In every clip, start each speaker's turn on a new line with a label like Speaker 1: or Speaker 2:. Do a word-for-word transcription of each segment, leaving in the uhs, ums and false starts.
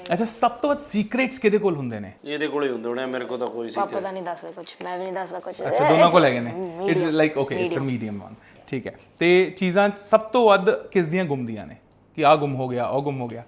Speaker 1: ਅੱਛਾ ਸਭ ਤੋਂ ਵੱਧ ਸੀਕ੍ਰੇਟਸ ਕਿਹਦੇ ਕੋਲ ਹੁੰਦੇ ਨੇ?
Speaker 2: ਇਹਦੇ ਕੋਲ ਹੀ ਹੁੰਦੇ ਹੋਣੇ, ਮੇਰੇ ਕੋਲ ਤਾਂ ਕੋਈ ਸੀ।
Speaker 3: ਪਾਪਾ ਤਾਂ ਨਹੀਂ ਦੱਸਦਾ ਕੁਝ, ਮੈਂ ਵੀ ਨਹੀਂ ਦੱਸਦਾ ਕੁਝ।
Speaker 1: ਅੱਛਾ ਦੋਨਾਂ ਕੋਲ ਹੈਗੇ ਨੇ। It's like okay it's a medium one, ਠੀਕ ਹੈ। ਤੇ ਚੀਜ਼ਾਂ ਸਭ ਤੋਂ ਵੱਧ ਕਿਸ ਦੀਆਂ ਗੁੰਮਦੀਆਂ ਨੇ ਕਿ ਆ ਗੁੰਮ ਹੋ ਗਿਆ ਉਹ ਗੁੰਮ ਹੋ ਗਿਆ?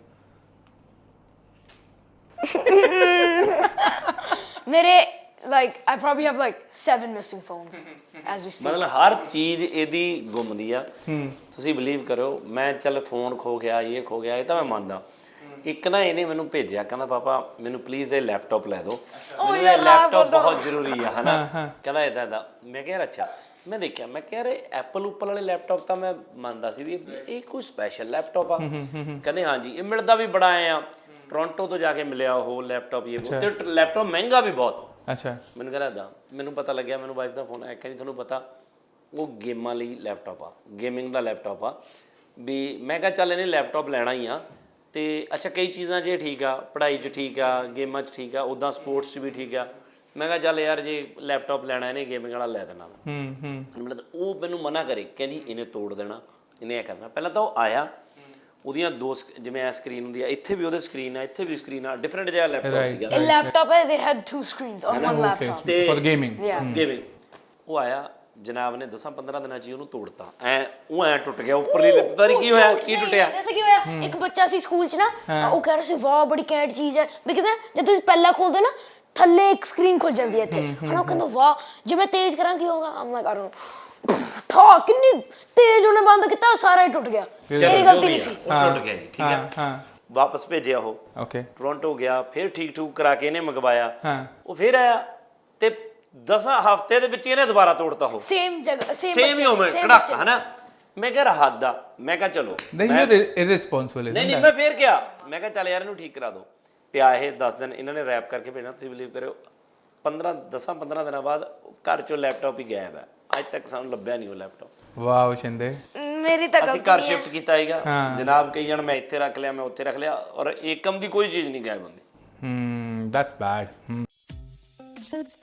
Speaker 3: ਮੇਰੇ like I probably have like seven missing phones as we speak.
Speaker 2: ਮਤਲਬ ਹਰ ਚੀਜ਼ ਇਹਦੀ ਗੁੰਮਦੀ ਆ। ਤੁਸੀਂ ਬਲੀਵ ਕਰੋ, ਮੈਂ ਚੱਲ ਫੋਨ ਖੋ ਗਿਆ, ਇਹ ਖੋ ਗਿਆ, ਇਹ ਤਾਂ ਮੈਂ ਮੰਨਦਾ। ਇੱਕ ਨਾ ਇਹਨੇ ਮੈਨੂੰ ਭੇਜਿਆ, ਕਹਿੰਦਾ ਪਾਪਾ ਮੈਨੂੰ ਪਲੀਜ਼ ਇਹ ਲੈਪਟਾਪ ਲੈ ਦਿਓ, ਮੈਨੂੰ ਇਹ ਲੈਪਟਾਪ ਬਹੁਤ ਜ਼ਰੂਰੀ ਆ, ਹਨਾ। ਕਹਿੰਦਾ ਇੱਦਾਂ ਇੱਦਾਂ। ਮੈਂ ਕਿਹਾ ਅੱਛਾ। ਮੈਂ ਦੇਖਿਆ, ਮੈਂ ਕਿਹਾ ਰੇ ਐਪਲ ਉੱਪਲ ਵਾਲੇ ਲੈਪਟਾਪ ਤਾਂ ਮੈਂ ਮੰਨਦਾ ਸੀ ਵੀ ਇਹ ਕੋਈ ਸਪੈਸ਼ਲ ਲੈਪਟਾਪ ਆ। ਕਹਿੰਦੇ ਹਾਂਜੀ ਇਹ ਮਿਲਦਾ ਵੀ ਬੜਾ ਆਏ ਆ, ਟੋਰਾਂਟੋ ਤੋਂ ਜਾ ਕੇ ਮਿਲਿਆ ਉਹ ਲੈਪਟਾਪ। ਇਹ ਤੇ ਲੈਪਟਾਪ ਮਹਿੰਗਾ ਵੀ ਬਹੁਤ।
Speaker 1: ਅੱਛਾ।
Speaker 2: ਮੈਨੂੰ ਕਹਿੰਦਾ ਇੱਦਾਂ। ਮੈਨੂੰ ਪਤਾ ਲੱਗਿਆ, ਮੈਨੂੰ ਵਾਈਫ ਦਾ ਫੋਨ ਆਇਆ, ਕਹਿੰਦੀ ਤੁਹਾਨੂੰ ਪਤਾ ਉਹ ਗੇਮਾਂ ਲਈ ਲੈਪਟਾਪ ਆ, ਗੇਮਿੰਗ ਦਾ ਲੈਪਟਾਪ ਆ ਵੀ। ਮੈਂ ਕਿਹਾ ਚੱਲ ਇਹਨੇ ਲੈਪਟਾਪ ਲੈਣਾ ਹੀ ਆ। ਤੇ ਅੱਛਾ ਕਈ ਚੀਜ਼ਾਂ ਜੇ ਠੀਕ ਆ, ਪੜ੍ਹਾਈ 'ਚ ਠੀਕ ਆ, ਗੇਮਾਂ 'ਚ ਠੀਕ ਆ, ਉੱਦਾਂ ਸਪੋਰਟਸ 'ਚ ਵੀ ਠੀਕ ਆ। ਮੈਂ ਕਿਹਾ ਚੱਲ ਯਾਰ ਜੇ ਲੈਪਟਾਪ ਲੈਣਾ ਇਹਨੇ ਗੇਮਿੰਗ ਵਾਲਾ ਲੈ ਦੇਣਾ।
Speaker 1: ਹੂੰ ਹੂੰ।
Speaker 2: ਮਤਲਬ ਉਹ ਮੈਨੂੰ ਮਨਾ ਕਰੇ, ਕਹਿੰਦੀ ਇਹਨੇ ਤੋੜ ਦੇਣਾ, ਇਹਨੇ ਇਹ ਕਰਨਾ। ਪਹਿਲਾਂ ਤਾਂ ਉਹ ਆਇਆ, ਉਹਦੀਆਂ ਦੋ ਜਿਵੇਂ ਐ ਸਕਰੀਨ ਹੁੰਦੀ ਆ, ਇੱਥੇ ਵੀ ਉਹਦੇ ਸਕਰੀਨ ਆ, ਇੱਥੇ ਵੀ ਸਕਰੀਨ ਆ, ਡਿਫਰੈਂਟ ਜਿਹਾ ਲੈਪਟਾਪ ਸੀਗਾ।
Speaker 3: A laptop ਹੈ, they had two screens on one laptop.
Speaker 2: ਤੇ
Speaker 1: ਫॉर ਗੇਮਿੰਗ।
Speaker 2: ਗੇਮਿੰਗ ਉਹ ਆਇਆ ਜਨਾਬ ਨੇ ਦਸਾਂ ਪੰਦਰਾਂ ਦਿਨਾਂ 'ਚ ਹੀ ਉਹਨੂੰ ਤੋੜਤਾ। ਐ ਉਹ ਐ ਟੁੱਟ ਗਿਆ ਉੱਪਰਲੀ। ਪਤਾ ਨਹੀਂ ਕੀ ਹੋਇਆ, ਕੀ ਟੁੱਟਿਆ।
Speaker 3: ਜੈਸੇ ਕੀ ਹੋਇਆ, ਇੱਕ ਬੱਚਾ ਸੀ ਸਕੂਲ 'ਚ ਨਾ, ਉਹ ਕਹਿ ਰਿਹਾ ਸੀ ਵਾਹ ਬੜੀ ਕੈਂਟ ਚੀਜ਼ ਹੈ, ਬਿਕਾਜ਼ ਜਦ ਤੁਸੀਂ ਪਹਿਲਾਂ ਖੋਲਦੇ ਨਾ ਥੱਲੇ ਇੱਕ ਸਕਰੀਨ ਖੁੱਲ ਜਾਂਦੀ ਹੈ ਇੱਥੇ, ਹਨਾ। ਉਹ ਕਹਿੰਦਾ ਵਾਹ ਜੇ ਮੈਂ ਤੇਜ਼ ਕਰਾਂ ਕੀ ਹੋਗਾ। ਆਮ ਲਾਈਕ ਆਈ ਡੋਨਟ ਨੋ, ਠਾ ਕਿੰਨੀ ਤੇਜ਼ ਉਹਨੇ ਬੰਦ ਕੀਤਾ, ਸਾਰਾ ਹੀ ਟੁੱਟ ਗਿਆ। ਮੇਰੀ ਗਲਤੀ ਨਹੀਂ ਸੀ,
Speaker 2: ਉਹ ਟੁੱਟ ਗਿਆ ਜੀ, ਠੀਕ ਹੈ।
Speaker 1: ਹਾਂ।
Speaker 2: ਵਾਪਸ ਭੇਜਿਆ ਉਹ,
Speaker 1: ਓਕੇ।
Speaker 2: ਟੋਰਾਂਟੋ ਗਿਆ, ਫਿਰ ਠੀਕ ਠੂਕ ਕਰਾ ਕੇ ਇਹਨੇ ਮੰਗਵਾਇਆ।
Speaker 1: ਹਾਂ।
Speaker 2: ਉਹ ਫਿਰ ਆਇਆ ਤੇ ਦਸਾਂ ਹਫ਼ਤੇ ਦੇ ਵਿੱਚ ਇਹਨੇ ਦੁਬਾਰਾ ਤੋੜਤਾ ਉਹ
Speaker 3: ਸੇਮ ਜਗ੍ਹਾ ਸੇਮ
Speaker 2: ਸੇਮ ਹੀ ਉਵੇਂ ਕੜਾਕਾ, ਹਨਾ। ਮੈਂ ਕਿਹਾ ਹੱਦ ਆ। ਮੈਂ ਕਿਹਾ ਚਲੋ
Speaker 1: ਨਹੀਂ ਯੂ ਇਰਰਿਸਪੌਂਸਿਬਲ ਇਜ਼
Speaker 2: ਨਹੀਂ ਨਹੀਂ ਮੈਂ ਫੇਰ ਕਿਹਾ, ਮੈਂ ਕਿਹਾ ਚੱਲ ਯਾਰ ਇਹਨੂੰ ਠੀਕ ਕਰਾ ਦਿਓ। ਪਿਆ ਇਹ ਦਸ ਦਿਨ ਇਹਨਾਂ ਨੇ ਰੈਪ ਕਰਕੇ ਭੇਜਣਾ। ਤੁਸੀਂ ਬਿਲੀਵ ਕਰਿਓ ਪੰਦਰਾਂ ਦਸਾਂ ਪੰਦਰਾਂ ਦਿਨਾਂ ਬਾਅਦ ਘਰ ਚੋਂ ਲੈਪਟਾਪ ਹੀ ਗਾਇਬ ਹੈ। ਅੱਜ ਤੱਕ ਸਾਨੂੰ ਲੱਭਿਆ ਨਹੀਂ ਉਹ ਲੈਪਟਾਪ।
Speaker 1: ਵਾਓ ਸ਼ਿੰਦੇ।
Speaker 3: ਮੇਰੀ ਤਾਂ
Speaker 2: ਅਸੀਂ ਘਰ ਸ਼ਿਫਟ ਕੀਤਾ ਹੈਗਾ ਜਨਾਬ, ਕਈ ਜਣ ਮੈਂ ਇੱਥੇ ਰੱਖ ਲਿਆ, ਮੈਂ ਉੱਥੇ ਰੱਖ ਲਿਆ, ਔਰ ਏਕਮ ਦੀ ਕੋਈ ਚੀਜ਼ ਨਹੀਂ ਗਾਇਬ ਹੁੰਦੀ।
Speaker 1: Hmm that's bed.